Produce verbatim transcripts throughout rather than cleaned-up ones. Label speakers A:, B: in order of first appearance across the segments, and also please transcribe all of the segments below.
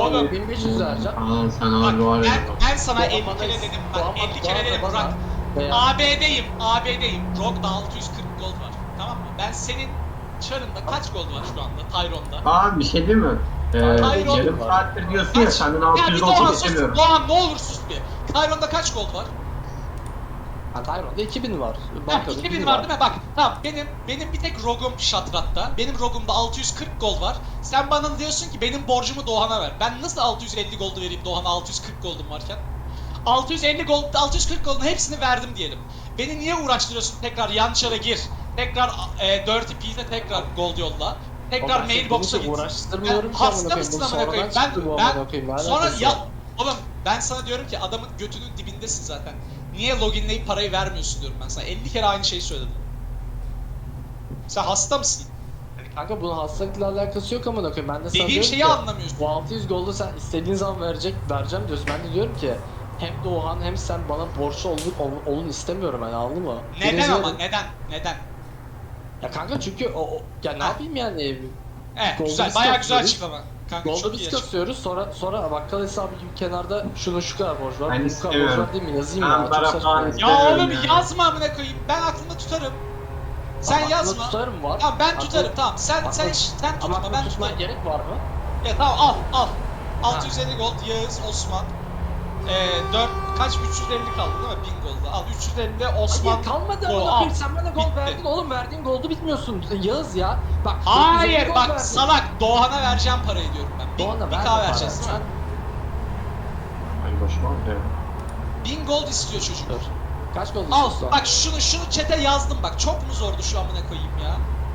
A: Oğlum.
B: bin beş yüz vereceğim.
C: Aa sen
A: Bak
C: abi var ya.
A: ben, ben sana
B: Doğan
A: elli
B: bana-
A: kere dedim. Bak
B: Doğan-
A: elli
B: Doğan
A: kere dedim
B: bana-
A: Burak.
B: Veya-
A: A B'deyim, A B'deyim. Rock'da altı yüz kırk gold var. Tamam mı? Ben senin çarında kaç gold var şu anda Tyrone'da?
C: Aa bir şey değil mi? Ee,
A: Hayır,
C: yarım
B: oğlum.
C: saattir diyorsun ya
A: Kaç?
C: senden
A: Ya
C: altı
A: bir
C: yüz
A: Doğan
C: olsun
A: sus.
C: istemiyorum.
A: Doğan ne olur sus bir. Tyrone'da kaç gold var?
B: Ha, Tyrone'da iki bin var.
A: Ha,
B: Bankada
A: iki bin
B: bin
A: var değil mi? Bak tamam benim benim bir tek Rogue'um Shatrat'ta. Benim Rogue'umda altı yüz kırk gold var. Sen bana diyorsun ki benim borcumu Doğan'a ver. Ben nasıl altı yüz elli gold'u vereyim Doğan'a altı yüz kırk gold'um varken? altı yüz elli gold, altı yüz kırk gold'un hepsini verdim diyelim. Beni niye uğraştırıyorsun tekrar yan çara gir. Tekrar e, Dirty Pete'e tekrar gold yolla. Tekrar mailbox'a git.
B: Uğraştırmıyorum
A: Ben-
B: ki amına
A: hasta
B: koyayım.
A: mısın
B: Bu
A: amına koyayım?
B: sonradan
A: Ben,
B: çıktı bu
A: ben
B: amına koyayım. Ne
A: sonra
B: alakası
A: ya
B: var?
A: oğlum ben sana diyorum ki adamın götünün dibindesin zaten. Niye loginleyip parayı vermiyorsun diyorum ben sana. elli kere aynı şeyi söyledim. Sen hasta mısın?
B: Kanka bunun hastalıkla alakası yok amına koyayım. Ben de sana
A: Dediğim
B: diyorum
A: şeyi
B: ki,
A: anlamıyorsun.
B: bu altı yüz goldu sen istediğin zaman verecek, vereceğim diyorsun. Ben de diyorum ki hem Doğan hem sen bana borçlu olun, olun, olun istemiyorum yani, anladın mı?
A: Neden
B: Birinci
A: ama
B: yarı-
A: neden? Neden?
B: Ya kanka çünkü o, o ya ne
A: Ha.
B: yapayım yani?
A: Evet
B: Goldu
A: güzel
B: biz
A: bayağı güzel
B: kasıyoruz.
A: açıklama. Kanka
B: Golda
A: çok iyi
B: biz
A: açıklama.
B: kasıyoruz, sonra sonra bakkal hesabı gibi kenarda şunun şu kadar borç var,
C: Ben
B: bunun bu kadar borç
C: istemiyorum.
B: var değil mi? Yazayım
C: Ben
B: ya, çok
C: para
B: saçma.
C: falan
B: yani.
C: istemiyorum.
A: Ya oğlum
C: ya.
A: yazma amına koyayım. Ben aklımda tutarım. Sen
B: Aklımda
A: yazma.
B: tutarım var.
A: Tamam ben
B: Aklımda-
A: tutarım tamam. Sen sen
B: Aklımda-
A: sen
B: Ama
A: tutma ben
B: ben tutmaya
A: tutarım.
B: gerek var mı?
A: Ya tamam al al. altı yüz elli gold Yağız Osman. Ee, dört kaç üç yüz elli kaldı değil mi? bin golda. Al üç yüz elli Osman.
B: Hayır kalmadı
A: Go,
B: amına
A: al.
B: koyayım, sen bana gol
A: Bitti.
B: verdin oğlum, verdiğin goldu bitmiyorsun Yağız ya. Bak dokuz yüz elli
A: Hayır
B: gol
A: bak
B: verdin.
A: salak Doğan'a vereceğim parayı diyorum ben. Bin,
B: Doğan'a
A: bin
B: verme
A: K
B: para.
A: vereceğiz değil mi?
C: Ay başıma ya.
A: bin gold istiyor çocuk.
B: Dur. Kaç gol
A: Al
B: istiyorsun?
A: bak şunu şunu chat'e yazdım bak. Çok mu zordu şu amına koyayım ya?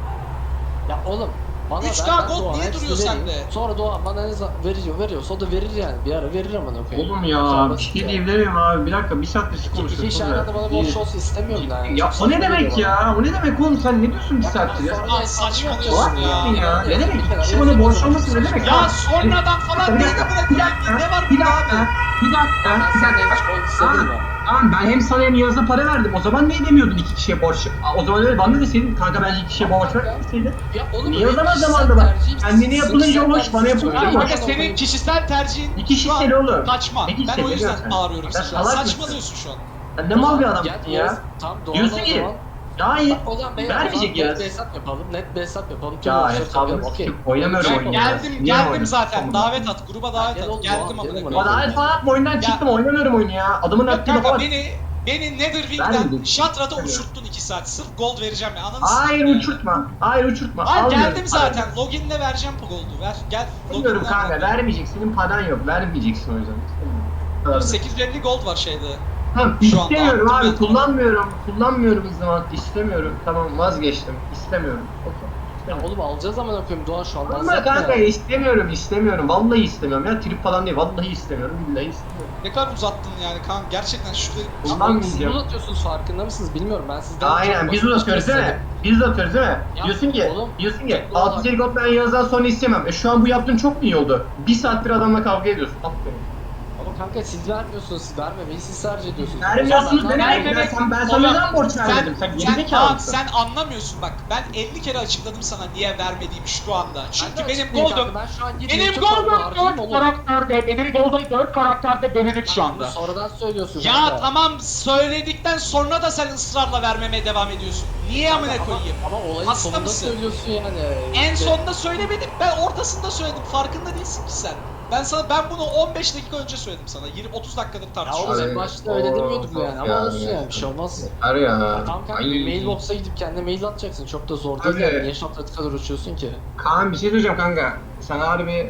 B: Ya oğlum bana
A: üç
B: ver,
A: K
B: ben
A: gold
B: Doğan'a
A: niye
B: hepsini
A: duruyor
B: vereyim.
A: sende?
B: Sonra Doğan bana ne zaman veriyor veriyorsa o da verir yani, bir ara verir amına koyayım.
C: Oğlum ya
B: Sonra
C: bir
B: basit
C: şey
B: ya.
C: diyebilirim abi. Bir dakika bir saattir siz
B: İki, iki
C: konuşuyorsunuz.
B: iş aylarda bana borç olsun istemiyorum yani.
C: Ya
B: Çok
C: o ne
B: saçma
C: demek
B: geliyor bana.
C: ya? O ne demek oğlum sen ne diyorsun bir
B: Ya
C: saattir ya?
B: sonra
A: Lan
B: da
A: saçmalıyorsun
B: hesabını
A: ya.
B: yapıyorsun.
C: Ya ne demek?
B: Bir kenara
C: Kişi bana
B: yazıyor,
C: borç
B: yazıyor.
C: olması ne demek?
A: Ya sonradan falan
C: Bir
A: değil
C: dakika,
A: amına
C: bir
A: koyayım.
C: dakika,
A: Ne var
C: bir
A: bunda
C: dakika,
A: abi?
C: bir dakika,
B: Ben
C: bir
B: senden
C: dakika.
B: hiç gol istedim mi?
C: Tamam ben hem sana hem Yağız'a para verdim. O zaman niye demiyordun iki kişiye borç? Aa, O zaman öyle bana deseydin kanka bence iki kişiye borç ver deseydin.
B: Ya oğlum
C: Niye o
B: benim
C: zaman
B: kişisel
C: zamanda bak?
B: tercihim,
C: Kendine yapılınca
B: kişisel
C: olur, bana
B: tercihim.
C: yapılınca
A: Ya
C: olur.
A: kanka senin kişisel tercihin
C: İki
A: şu an
C: kişisel oğlum.
A: Kaçma.
C: İki
A: Ben
C: kişisel
A: o yüzden
C: zaten.
A: bağırıyorum
C: Sen
A: sana.
C: salak mısın?
A: Saçmalıyorsun şu an.
C: Sen ne mal bir adamsın
B: Gel
C: ya.
B: Yağız, Tamam Doğan'a
C: Diyorsun
B: o
C: ki
B: zaman.
C: ya iyi.
B: O zaman beyler,
C: Vermeyecek
B: o zaman net
C: Yağız.
B: bir hesap yapalım, net bir hesap yapalım. Tüm
C: Ya
B: borçları
C: hesabını
B: takalım, okey.
C: sikip oynamıyorum
A: Ben
C: oyunu ya.
A: geldim
C: Niye
A: geldim
C: oynadın?
A: zaten.
C: Tamam.
A: Davet at. Gruba davet
B: Gel
A: at.
B: oğlum,
A: Geldim
B: Doğan,
A: amına
B: gelin
A: koyayım.
C: Bana ait falan oyundan
A: Ya-
C: çıktım oynamıyorum oyunu ya. Adamın
A: Yok
C: attığı
A: kanka
C: lafa bak.
A: beni beni Netherwing'den
C: Vermedim.
A: Shatrat'a
C: Evet.
A: uçurttun iki saat. Sırf gold vereceğim ya. Ananı
C: Hayır
A: sikeyim ya.
C: uçurtma. Hayır uçurtma.
A: Hayır
C: Almıyorum.
A: geldim zaten. Login'le vereceğim bu gold'u. Ver gel.
C: Bilmiyorum
A: Login'le
C: kanka
A: ver.
C: vermeyecek. Senin paran yok. Vermeyeceksin o yüzden. İstemiyorum.
A: sekiz yüz elli gold var şeyde.
C: Tamam
A: Şu anda
C: istemiyorum
A: attım
C: abi.
A: ben.
C: Kullanmıyorum. Kullanmıyorum o zaman. İstemiyorum. Tamam vazgeçtim. İstemiyorum. Okey.
B: Ya oğlum alacağız ama koyayım Doğan şu an. dans
C: Ama
B: etme
C: kanka
B: ya.
C: istemiyorum, istemiyorum. Vallahi istemiyorum ya. Trip falan değil. Vallahi istemiyorum. Billahi istemiyorum.
A: Ne kadar uzattın yani kanka. Gerçekten şurada
B: Ama siz
C: Kullanmayacağım.
B: uzatıyorsunuz, farkında mısınız bilmiyorum, ben sizden
C: Aynen
B: çok
C: biz
B: basit
C: uzatıyoruz değil mi?
B: istedim.
C: Biz uzatıyoruz değil mi?
B: Ya,
C: diyorsun ki,
B: oğlum,
C: diyorsun ki
B: oğlum,
C: altı yüz gold ben Yağız'dan sonra istemem. E şu an bu yaptığın çok mu iyi oldu? Bir saattir adamla kavga ediyorsun. Aferin.
B: Ama kanka siz vermiyorsunuz, siz vermemeyi siz tercih ediyorsunuz.
C: Vermiyorsunuz
B: O zaman
C: ne
B: ben-
C: demek? Ben, sen, ben sana
A: Oğlum,
C: neden borç vermedim? Sen
A: sen,
C: gerizekalı
A: aa,
C: mısın?
A: sen anlamıyorsun bak. Ben elli kere açıkladım sana niye vermediğimi şu anda. Çünkü
B: Ben de
A: benim
B: açıklayayım
A: gold'um
B: kanka, ben şu an gidip
A: benim
B: çok fazla
A: gold'um
B: harcayayım
A: dört
B: oğlum.
A: karakterde, benim gold'um dört karakterde benim üç şu
B: Bunu
A: anda.
B: sonradan söylüyorsun
A: Ya
B: kanka.
A: tamam söyledikten sonra da sen ısrarla vermemeye devam ediyorsun. Niye
B: Kanka,
A: amına
B: ama-
A: koyayım?
B: Ama olayın
A: Hasta
B: sonunda
A: mısın?
B: söylüyorsun yani.
A: En
B: İşte-
A: sonunda söylemedim. Ben ortasında söyledim. Farkında değilsin ki sen. Ben sana ben bunu on beş dakika önce söyledim sana. yirmi otuz dakikadır
B: Ya
A: tartışıyoruz.
B: oğlum
C: Abi,
B: en başta öyle
C: o-
B: demiyorduk mu yani, ama
C: ya,
B: olsun
C: ya.
B: yani, bir şey olmaz.
C: Var ya.
B: Tamam kanka,
C: Ay.
B: bir mailbox'a gidip kendine mail atacaksın, çok da zor değil
C: Abi.
B: yani, niye şaplatı kadar uçuyorsun ki?
C: Kaan bir şey söyleyeceğim kanka. Sen harbi...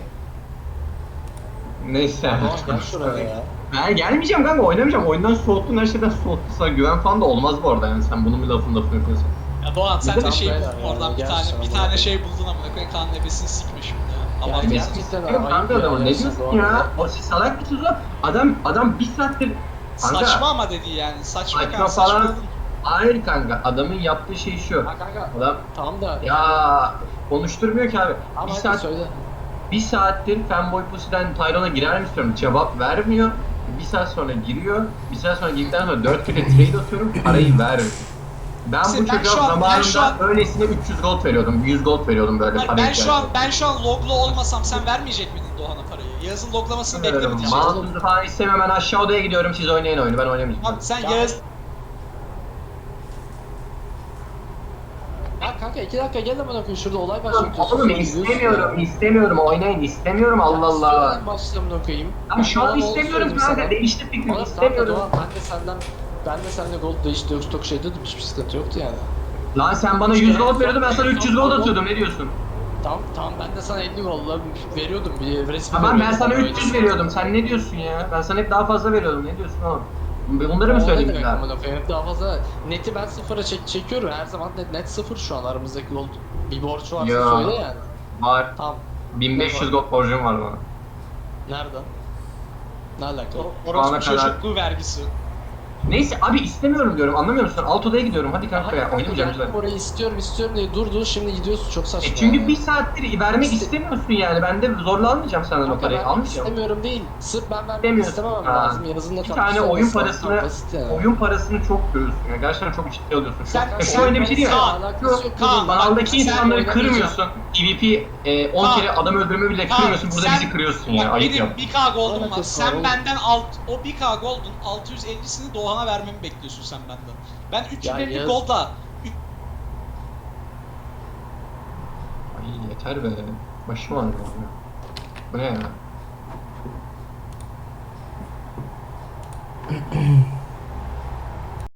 C: Neyse.
B: Tamam gel şuraya ya.
C: Ben gelmeyeceğim kanka oynamayacağım. Oyundan soğuttun her şeyden soğuttun. Sana güven falan da olmaz bu arada yani sen bunun bir lafını lafını yapıyorsun.
A: Ya Doğan sen de
B: Tamam,
A: şey
B: beyler
A: buldun
B: ya,
A: oradan bir
B: gel
A: tane
B: sana
A: bir
B: bu
A: tane
B: arada.
A: şey buldun amına koyayım kan nefesini sikme şimdi ya.
B: Yani
A: Abartma.
B: gerçekten
C: Yok
B: ayıp
C: kanka
B: ya,
C: adamın ne
B: gerçekten
C: diyorsun
B: Doğan
C: ya? O siz salak mısınız o? Adam adam bir saattir kanka.
A: Saçma ama dedi yani. Saçma
C: Saçma
A: kanka
C: falan.
A: saçmaladın.
C: Hayır kanka adamın yaptığı şey şu.
B: Ha kanka,
C: Adam
B: tamam da
C: ya konuşturmuyor ki abi.
B: ama
C: Bir
B: hadi
C: saat
B: söyle.
C: bir saattir Fanboy Pussy'den Tyrone'a girer mi istiyorum. Cevap vermiyor. Bir saat sonra giriyor. Bir saat sonra girdikten sonra dört kere trade atıyorum. Parayı vermiyor. Ben
A: İşte
C: bu
A: ben
C: çocuğa
A: şu an- ben
C: zamanında
A: şu an-
C: öylesine üç yüz gold veriyordum. yüz gold veriyordum böyle
A: Hayır,
C: para
A: ben şu an
C: ihtiyacı.
A: ben şu an loglu olmasam sen vermeyecek miydin Doğan'a parayı? Yağız'ın loglamasını
C: Bilmiyorum.
A: beklemeyeceğim.
C: Mouse'u falan istemiyorum. Ben aşağı odaya gidiyorum. Siz oynayın oyunu. Ben oynamayacağım.
A: Tamam sen
B: Ya-
A: Yağız...
B: Ya kanka iki dakika gel hemen okuyun şurada olay başlıyor.
C: Oğlum istemiyorum. istemiyorum. Oynayın. istemiyorum. Allah Allah.
B: Başlamını okuyayım.
C: Ama şu an
B: Ben bana
C: istemiyorum
B: onu
C: kanka.
B: söyleyeyim
C: Değişti
B: sana.
C: fikrim.
B: Oğlum kanka
C: İstemiyorum.
B: Doğan ben de senden ben de seninle gold değişti yok stok şey dedim hiçbir sıkıntı yoktu yani.
C: Lan sen bana yüz gold veriyordun. Ben sana üç yüz gold atıyordum. Ne diyorsun?
B: Tamam tamam ben de sana elli golla veriyordum bir resmi
C: Tamam ben
B: veriyordum,
C: sana
B: öyle
C: üç yüz
B: şey.
C: veriyordum. Sen ne diyorsun ya? Ben sana hep daha fazla veriyordum. Ne diyorsun oğlum? Bunları mı
B: O ne
C: söyleyeyim
B: demek
C: ya?
B: amına koyayım? Hep daha fazla neti ben sıfıra çek çekiyorum her zaman net net sıfır şu an aramızdaki gold bir borç varsa
C: Ya.
B: söyle yani.
C: Var.
B: Tamam.
C: bin beş yüz gold borcum var bana.
B: Nerede? Ne alaka?
A: Orospu
C: Ana kadar.
A: çocukluğu vergisi.
C: Neyse abi istemiyorum diyorum. Anlamıyor musun? Alt odaya gidiyorum. Hadi kanka
B: Hayır
C: ya.
B: kanka
C: Oynamayacağım
B: geldim
C: lütfen.
B: orayı istiyorum istiyorum diye durdu şimdi gidiyorsun çok saçma.
C: E çünkü
B: yani.
C: bir saattir vermek
B: İste-
C: istemiyorsun yani. Ben de zorla almayacağım senden o
B: Kanka
C: parayı.
B: ben
C: Almayacağım.
B: istemiyorum değil. Sırf ben vermek
C: İstemiyorsun.
B: istememem
C: Ha.
B: lazım. Yazın da
C: Bir
B: tatlısı
C: tane oyun
B: olması lazım.
C: parasını,
B: Basit yani.
C: oyun parasını çok görüyorsun ya. Gerçekten çok ciddi alıyorsun.
A: Sen-
C: Çok,
A: sen-
C: şu oyunda bir şey değil mi?
A: Kaan,
B: Alakası yok.
A: Kaan,
B: Bana-
C: Kanaldaki
A: sen
C: insanları
B: oynamayacağım.
C: kırmıyorsun. PvP e, on
A: Kaan.
C: kere adam öldürme bile
A: Kaan,
C: kırmıyorsun. Burada
A: sen-
C: bizi kırıyorsun ya.
A: Bak
C: Ayıp
A: benim
C: ya.
A: bir K gold'um var.
B: Alakası
A: Sen
B: var oğlum.
A: benden alt, o bir K gold'un altı yüz ellisini Doğan'a vermemi bekliyorsun sen benden. Ben üç yüz elli
B: Ya Yağız-
A: gold'la
C: Ay yeter be. Başım ağrıyor. Bu ne ya?